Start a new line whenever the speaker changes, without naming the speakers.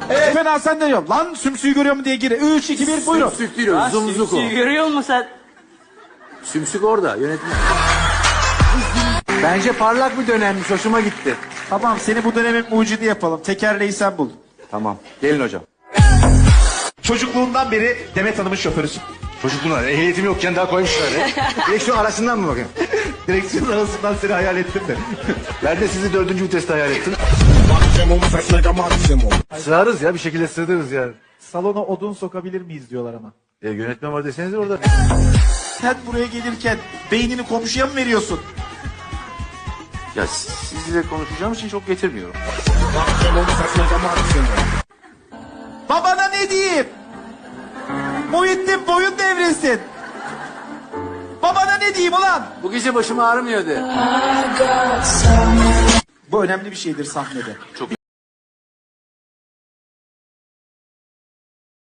Fena sen de yok. Lan sümsüğü görüyor mu diye gir. 3, 2, 1 buyurun.
Sümsük değil o. Zumzuk o.
Görüyor musun sen?
Sümsük orada yönetmen. Bence parlak bir dönemmiş. Hoşuma gitti.
Tamam seni bu dönemin mucidi yapalım. Tekerleği sen bul.
Tamam. Gelin hocam.
Çocukluğundan beri Demet Hanım'ın şoförüsün.
Çocukluğuna ehliyetim yokken daha koymuşlar ya. Direksiyon arasından mı bakayım?
Direksiyon arasından seni hayal ettim de.
Ben de sizi 4. viteste hayal ettim. Sığarız ya, bir şekilde sığdırırız ya.
Salona odun sokabilir miyiz diyorlar ama.
Yönetmen var deseniz orada.
Sen buraya gelirken beynini komşuya mı veriyorsun?
Ya sizle konuşacağım için çok getirmiyorum.
Babana ne diyeyim? Muhittin boyun devrilsin. Babana ne diyeyim ulan?
Bu gece başım ağrımıyor de.
Bu önemli bir şeydir sahnede.
Çok